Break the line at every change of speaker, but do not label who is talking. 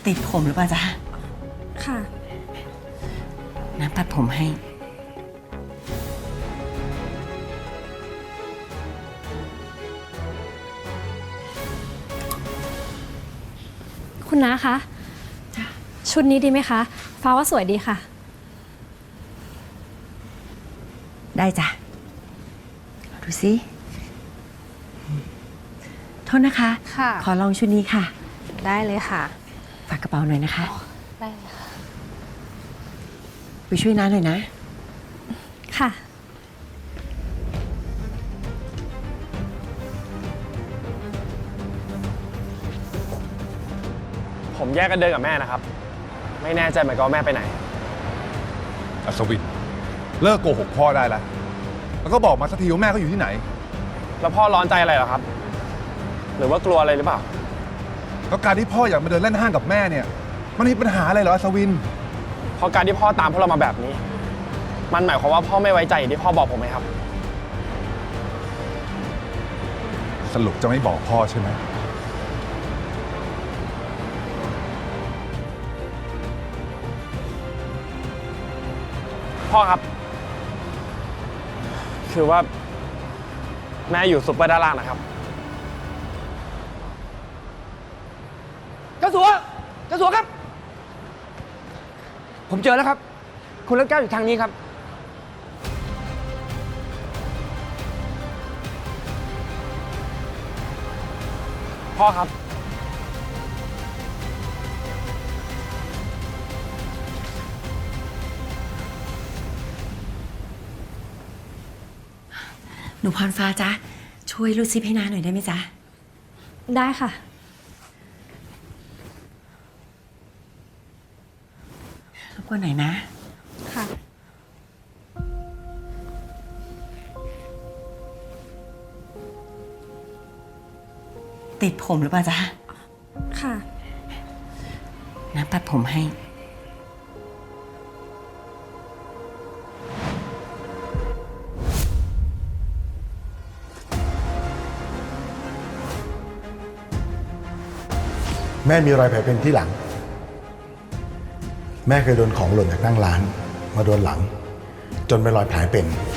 ติดผมหรือเปล่าจ๊ะ
ค่ะ
น้ำปัดผมให้
คุณน้าคะชุดนี้ดีไหมคะฟ้าว่าสวยดีค่ะ
ได้จ้ะดูสิโทษนะคะ
ค่ะ
ขอลองชุดนี้ค่ะ
ได้เลยค่ะ
ฝากกระเป๋าหน่อยนะคะ
ได้เลยค่ะ
ไปช่วยน้าหน่อยนะ
ค่ะ
ผมแยกกันเดินกับแม่นะครับไม่แน่ใจเหมือนกันว่าแม่ไปไหน
อัศวินเลิกโกหกพ่อได้แล้วแล้วก็บอกมาสักทีว่าแม่เขาอยู่ที่ไหน
แล้วพ่อร้อนใจอะไรเหรอครับหรือว่ากลัวอะไรหรือเปล่า
แล้วการที่พ่ออยากมาเดินเล่นห้างกับแม่เนี่ยมันมีปัญหาอะไรเหรออัศวิน
เพราะการที่พ่อตามพวกเรามาแบบนี้มันหมายความว่าพ่อไม่ไว้ใจอย่างที่พ่อบอกผมไหมครับ
สรุปจะไม่บอกพ่อใช่ไหม
พ่อครับคือว่าแม่อยู่ซุปเปอร์ด้านล่างนะครับ
เจ้าสัวครับผมเจอแล้วครับคุณเลิศแก้วอยู่ทางนี้ครับ
พ่อครับ
หนูพรฟ้าจ๊ะช่วยรูดซิปให้น้าหน่อยได้ไหมจ๊ะ
ได้ค่ะ
รบกวนหน่อยนะ
ค่ะ
ติดผมหรือเปล่าจ๊ะ
ค่ะ
น้ำปัดผมให้
แม่มีรอยแผลเป็นที่หลังแม่เคยโดนของหล่นจากนั่งร้านมาโดนหลังจนเป็นรอยแผลเป็น